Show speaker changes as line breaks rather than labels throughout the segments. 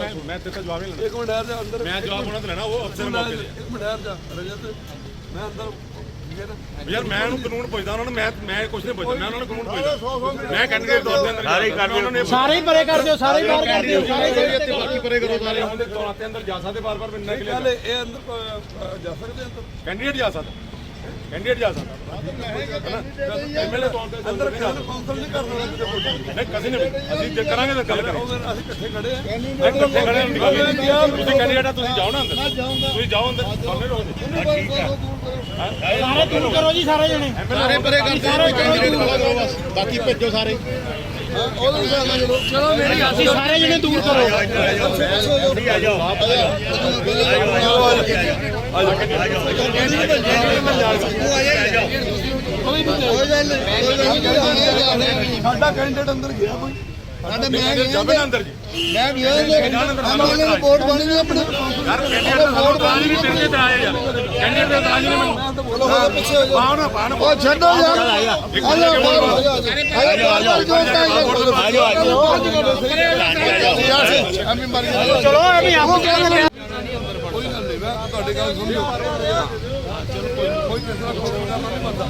मैं तेरे जवाब नहीं
एक मिनट ठहर जा अंदर
मैं जवाब होना तो लेना वो अफसर मौके
एक मिनट ठहर जा रजत मैं अंदर
यार मैं कानून पुछदा उन्होंने मैं कुछ नहीं पुछदा मैं उन्होंने कानून पुछदा मैं कैंडिडेट तौर ते अंदर सारे कर दियो
सारे ही परे कर दियो सारे बाहर कर दियो
ਇੱਥੇ ਬਾਕੀ ਪਰੇ ਕਰੋ ਸਾਰੇ ਉਹਦੇ ਤੌਰ ਤੇ ਅੰਦਰ ਜਾ ਸਕਦੇ ਬਾਰ-ਬਾਰ ਮਿਲਣਾ ਕਿ
ਗੱਲ ਇਹ ਅੰਦਰ ਜਾ ਸਕਦੇ ਅੰਦਰ
कैंडिडेट जा सकता कैंडिडेट जा सकता एमएलए तौर ते
ਅੰਦਰ ਕੌਂਸਲ ਨਹੀਂ ਕਰ ਸਕਦਾ ਕਿਤੇ ਕੋਈ
नहीं किसी ने ਅਸੀਂ ਜੇ ਕਰਾਂਗੇ ਤਾਂ ਗੱਲ ਕਰਾਂਗੇ
ਅਸੀਂ ਇਕੱਠੇ ਖੜੇ ਆ
ਇਕੱਠੇ ਖੜੇ ਤੁਸੀਂ ਕੈਂਡੀਡੇਟ ਆ ਤੁਸੀਂ ਜਾਓ ਨਾ ਅੰਦਰ ਤੁਸੀਂ ਜਾਓ ਅੰਦਰ ਸਾਹਮਣੇ ਰਹੋ ਠੀਕ ਹੈ
सारे दूर करो जी सारे जने
ਸਾਰੇ ਪਰੇ ਕਰ ਦਿਓ ਕੈਂਡੀਡੇਟ ਵਾਲਾ ਕਰੋ ਬਸ ਬਾਕੀ ਭੇਜੋ ਸਾਰੇ
ਚਲੋ ਮੇਰੀ
ਅਸੀਂ ਸਾਰੇ ਜਣੇ ਦੂਰ ਕਰੋ
ਸਾਡਾ ਕੈਂਡੀਡੇਟ ਅੰਦਰ ਗਿਆ ਕੋਈ
ਸਾਡਾ ਮੈਂ ਜਾਵੇ ਨਾ ਅੰਦਰ ਜੀ
ਮੈਂ ਗਿਆ ਐਮਐਲਏ ਨੂੰ ਵੋਟ ਪਾਣੀ ਨਹੀਂ ਆਪਣੇ
ਯਾਰ ਕੈਂਡੀਡੇਟ ਦਾ ਰਾਜ ਨਹੀਂ ਤੇਰੇ ਤੇ ਆਏ ਯਾਰ ਕੈਂਡੀਡੇਟ ਦਾ ਰਾਜ ਨਹੀਂ ਮੈਨੂੰ
ਪਿੱਛੇ ਹੋ
ਪਾਉ ਨਾ
ਉਹ ਛੱਡੋ ਯਾਰ
चलो अभी आपको क्या
ਕੋਈ ਗੱਲ ਨਹੀਂ ਮੈਂ ਤੁਹਾਡੀ ਗੱਲ ਸੁਣ ਲਿਓ ਚਲੋ ਕੋਈ ਫੈਸਲਾ ਨਹੀਂ ਬਣਦਾ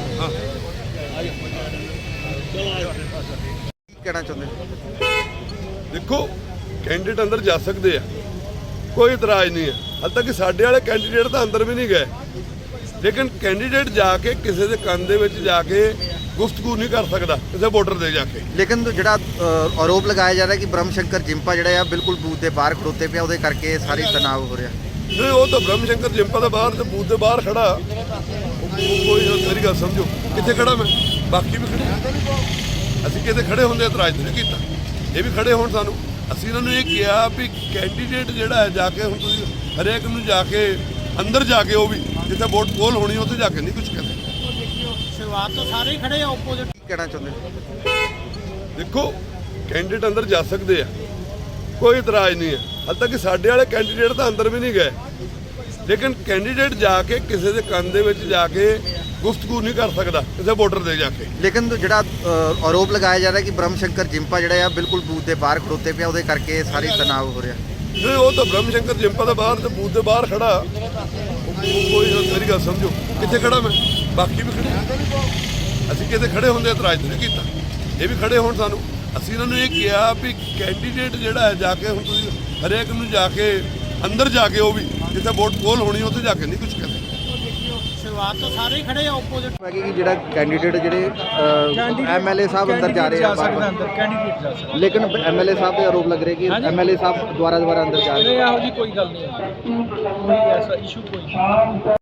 ਕਹਿਣਾ ਚਾਹੁੰਦੇ
ਦੇਖੋ ਕੈਂਡੀਡੇਟ ਅੰਦਰ ਜਾ ਸਕਦੇ ਆ ਕੋਈ ਇਤਰਾਜ਼ ਨਹੀਂ ਹੈ ਹਾਲੇ ਤੱਕ ਸਾਡੇ ਵਾਲੇ ਕੈਂਡੀਡੇਟ ਤਾਂ ਅੰਦਰ ਵੀ ਨਹੀਂ ਗਏ ਲੇਕਿਨ ਕੈਂਡੀਡੇਟ ਜਾ ਕੇ ਕਿਸੇ ਦੇ ਕੰਨ ਦੇ ਵਿੱਚ ਜਾ ਕੇ ਗੁਫ਼ਤਗੂ ਨਹੀਂ ਕਰ ਸਕਦਾ ਕਿਸੇ ਵੋਟਰ ਦੇ ਜਾ ਕੇ
ਲੇਕਿਨ ਜਿਹੜਾ ਆਰੋਪ ਲਗਾਇਆ ਜਾ ਰਿਹਾ ਕਿ ਬ੍ਰਹਮ ਸ਼ੰਕਰ ਜਿੰਪਾ ਜਿਹੜਾ ਆ ਬਿਲਕੁਲ ਬੂਥ ਦੇ ਬਾਹਰ ਖੜੋਤੇ ਪਿਆ ਉਹਦੇ ਕਰਕੇ ਸਾਰੀ ਤਣਾਅ ਹੋ ਰਿਹਾ
ਨਹੀਂ ਉਹ ਤਾਂ ਬ੍ਰਹਮ ਸ਼ੰਕਰ ਜਿੰਪਾ ਦੇ ਬਾਹਰ ਤੇ ਬੂਥ ਦੇ ਬਾਹਰ ਖੜਾ ਕੋਈ ਮੇਰੀ ਗੱਲ ਸਮਝੋ ਕਿੱਥੇ ਖੜਾ ਮੈਂ ਬਾਕੀ ਵੀ ਖੜੇ ਅਸੀਂ ਕਿਤੇ ਖੜੇ ਹੁੰਦੇ ਇਤਰਾਜ਼ ਨਹੀਂ ਕੀਤਾ ਇਹ ਵੀ ਖੜੇ ਹੋਣ ਸਾਨੂੰ ਅਸੀਂ ਇਹਨਾਂ ਨੂੰ ਇਹ ਕਿਹਾ ਵੀ ਕੈਂਡੀਡੇਟ ਜਿਹੜਾ ਹੈ ਜਾ ਕੇ ਹੁਣ ਤੁਸੀਂ ਹਰੇਕ ਨੂੰ ਜਾ ਕੇ ਅੰਦਰ ਜਾ ਕੇ ਉਹ ਵੀ ਜਿੱਥੇ ਵੋਟ ਪੋਲ ਹੋਣੀ ਉੱਥੇ ਜਾ ਕੇ ਨਹੀਂ ਕੁਝ ਕਹਿੰਦੇ
शुरुआत तो सारे ही खड़े ऑपोजिट
ਕਹਿਣਾ ਚਾਹੁੰਦੇ
ਦੇਖੋ ਕੈਂਡੀਡੇਟ ਅੰਦਰ ਜਾ ਸਕਦੇ ਆ ਕੋਈ ਇਤਰਾਜ਼ ਨਹੀਂ ਹੈ ਹਾਲੇ ਤੱਕ ਸਾਡੇ ਵਾਲੇ ਕੈਂਡੀਡੇਟ ਤਾਂ ਅੰਦਰ ਵੀ ਨਹੀਂ ਗਏ ਲੇਕਿਨ ਕੈਂਡੀਡੇਟ ਜਾ ਕੇ ਕਿਸੇ ਦੇ ਕੰਨ ਦੇ ਵਿੱਚ ਜਾ ਕੇ ਗੁਫ਼ਤਗੂ ਨਹੀਂ ਕਰ ਸਕਦਾ ਕਿਸੇ ਵੋਟਰ ਦੇ ਜਾ ਕੇ
ਲੇਕਿਨ ਜਿਹੜਾ ਆਰੋਪ ਲਗਾਇਆ ਜਾ ਰਿਹਾ ਕਿ ਬ੍ਰਹਮ ਸ਼ੰਕਰ ਜਿੰਪਾ ਜਿਹੜਾ ਆ ਬਿਲਕੁਲ ਬੂਥ ਦੇ ਬਾਹਰ ਖੜੋਤੇ ਪਿਆ ਉਹਦੇ ਕਰਕੇ ਸਾਰੀ ਤਣਾਅ ਹੋ ਰਿਹਾ
ਨਹੀਂ ਉਹ ਤਾਂ ਬ੍ਰਹਮ ਸ਼ੰਕਰ ਜਿੰਪਾ ਦੇ ਬਾਹਰ ਤੇ ਬੂਥ ਦੇ ਬਾਹਰ ਖੜਾ ਕੋਈ ਮੇਰੀ ਗੱਲ ਸਮਝੋ ਕਿੱਥੇ ਖੜਾ ਮੈਂ ਬਾਕੀ ਵੀ ਖੜੇ ਅਸੀਂ ਕਿਤੇ ਖੜੇ ਹੁੰਦੇ ਇਤਰਾਜ਼ ਨਹੀਂ ਕੀਤਾ ਇਹ ਵੀ ਖੜੇ ਹੋਣ ਸਾਨੂੰ ਅਸੀਂ ਇਹਨਾਂ ਨੂੰ ਇਹ ਕਿਹਾ ਵੀ ਕੈਂਡੀਡੇਟ ਜਿਹੜਾ ਹੈ ਜਾ ਕੇ ਹੁਣ ਤੁਸੀਂ ਹਰੇਕ ਨੂੰ ਜਾ ਕੇ ਅੰਦਰ ਜਾ ਕੇ ਉਹ ਵੀ ਜਿੱਥੇ ਵੋਟ ਪੋਲ ਹੋਣੀ ਉੱਥੇ ਜਾ ਕੇ ਨਹੀਂ ਕੁਝ ਕਹਿੰਦੇ
शुरुआत तो सारे ही खड़े ऑपोजिट
ਕਿ ਜਿਹੜਾ ਕੈਂਡੀਡੇਟ ਜਿਹੜੇ ਐਮਐਲਏ ਸਾਹਿਬ ਅੰਦਰ ਜਾ ਰਹੇ ਆ
अंदर कैंडिडेट जा सकदा
ਲੇਕਿਨ ਐਮਐਲਏ ਸਾਹਿਬ ਦੇ ਆਰੋਪ ਲੱਗ ਰਹੇ ਕਿ ਐਮਐਲਏ ਸਾਹਿਬ ਦੁਬਾਰਾ ਅੰਦਰ ਜਾ ਰਹੇ
ਇਹੋ ਜੀ ਕੋਈ ਗੱਲ ਨਹੀਂ ਹੈ ਕੋਈ ਐਸਾ ਇਸ਼ੂ ਕੋਈ